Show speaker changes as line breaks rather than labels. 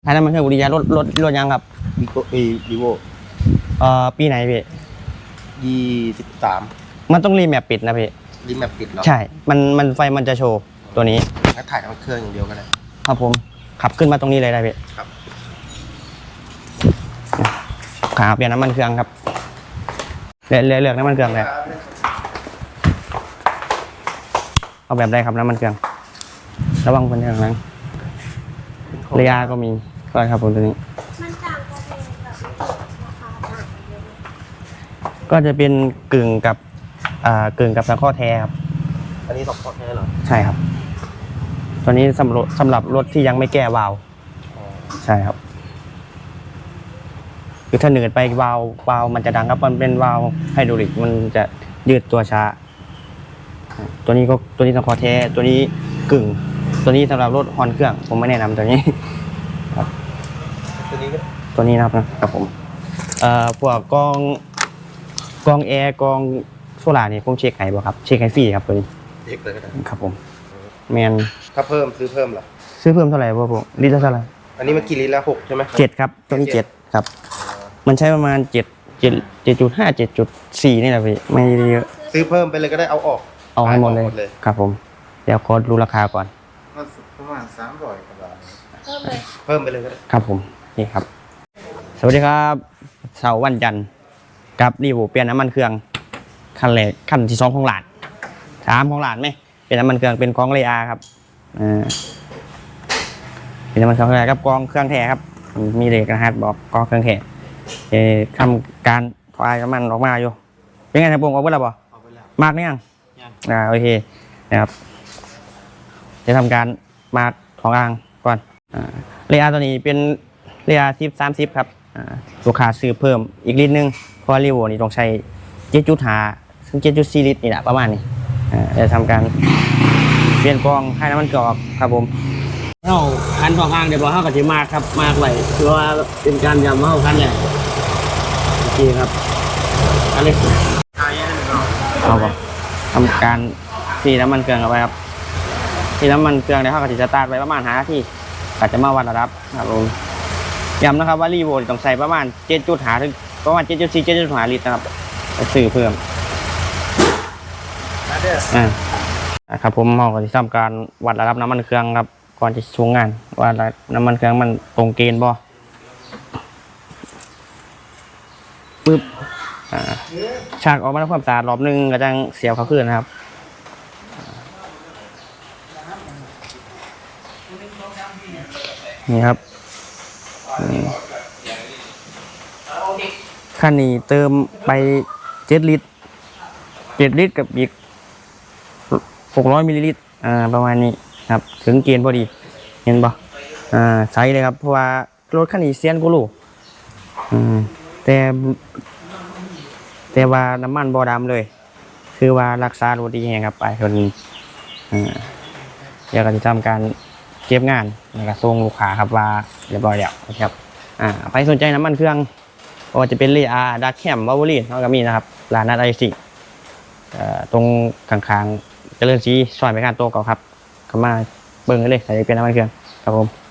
ท้ายน้ำมันเครื่องบุรียารถยังครับ
วีโก้วีโว
ปีไหนพี่
23
มันต้องรีแมปปิดนะพี่
รีแมปปิดเหรอ
ใช่มันไฟมันจะโชว์ตัวนี้
ถ้าถ่ายทั้งเครื่องอย่างเดียวก็ได้
ครับผมขับขึ้นมาตรงนี้เลยได้พี่
ครับ
ขาเปลี่ยนน้ำมันเครื่องครับเลือกน้ำมันเครื่องเลยเอาแบบใดครับน้ำมันเครื่องระวังคนข้างหลังเรียก็มีก็ครับผมตัวนี้
มันต่างกันเองกับราคาต่างกันเยอะ
ก็จะเป็นกึ่งกับตะข้อแท้ครับ
อันนี้ตกข้อแท้เหรอ
ใช่ครับตัวนี้สำหรับรถที่ยังไม่แก้วาล์วใช่ครับคือถ้าเหนืดไปวาล์วมันจะดังครับมันเป็นวาล์วไฮดรอลิกมันจะยืดตัวช้าตัวนี้ตะข้อแท้ตัวนี้กึ่งตัวนี้สำหรับรถฮอนเครื่องผมไม่แนะนำตัวนี้ครับตัวนี้นะครับผมพวกกองแอร์กองโซล่านี่ผมเช็คให้บ่ครับเช็คให้ฟรีครับตัวนี้
เช็คเลยก็ได้
ครับผมแมน
ถ้าซื้อเพิ่มเหรอ
ซื้อเพิ่มเท่าไหร่บ่ผมลิตรเท่าไหร่
อันนี้มันกี่ลิตรแล้ว6ใช่ไหม
7ครับตัวนี้7ครับมันใช้ประมาณ7.5 7.4นี่แหละพี่ไม่เยอะ
ซื้อเพิ่มไปเลยก็ได้เอา
ให้หมดเลยครับผมเดี๋ยวขอดูราคาก่อน
ประมาณ300กว่าบาท
เพิ่ม
ไปเลยก็ได้
ครับผมนี่ครับสวัสดีครับเสาร์วันจันทร์กับรีวิวเปลี่ยนน้ำมันเครื่องคันแรกคันที่2ของหลาน3ของหลานไหมเป็นน้ำมันเครื่องเป็นกองเรียครับเป็นน้ำมันเครื่องครับกองเครื่องแท้ครับมีเลขรหัสบอกกองเครื่องแท้ทำการคลายน้ำมันออกมาอยู่เป็นไงทางปรุงออกไปแล้วบ่มากนี่ยังโอเคนะครับจะทำการมาของอ่างก่อนเรียตัวนี้เป็นเรีย10-30ครับลูกค้าซื้อเพิ่มอีกลิตรนึงเพราะรีโวนี่ต้องใช้7.5ถึง7.4ลิตรนี่แหละประมาณนี้จะทำการเปลี่ยนกองให้น้ำมันกรอกครับผมเข้าคันของอ่างเดี๋ยวเข้ากับที่มากครับมากไหลคือว่าเป็นการยำเข้าคันเนี่ยโอเคครับอันนี้เอาบ่ทำการสีน้ำมันเครื่องเอาไว้ครับสีน้ำมันเครื่องเดี๋ยวเข้ากับที่สตาร์ทไว้ประมาณ5 นาทีอาจจะมาวัดระดับครับผมย้ำนะครับว่ารีโวต้องใส่ประมาณ7.5ถึงประมาณ7.4 7.5ลิตรนะครับซื้อเพิ่มครับผมเราก็จะทำการวัดระดับน้ำมันเครื่องครับก่อนจะช่วงงานว่าน้ำมันเครื่องมันตรงเกณฑ์บ่ปึ๊บฉากออกมาทำความสะอาดรอบนึงก็จะเสียบเขาขึ้นนะครับนี่ครับคันนี้เติมไป7 ลิตรกับอีก600 มิลลิลิตรประมาณนี้ครับถึงเกณฑ์พอดีเห็นป่ะใช้เลยครับเพราะว่ารถคันนี้เซียนกูรู้แต่ว่าน้ำมันบ่ดำเลยคือว่ารักษารถดีแฮงครับไปคนนี้เดี๋ยวก็จะทำการเก็บงานแล้วก็ส่งลูกค้าครับว่าเรียบร้อยแล้วครับใครสนใจน้ำมันเครื่องก็จะเป็นเรียดักแคมวอลลีนเขาก็มีนะครับร้านนัดไอซิตรงข้างๆเจริญศรีซอยไปการโตเก่าครับเข้ามาเบิ่งเลยใส่เป็นน้ำมันเครื่องครับผม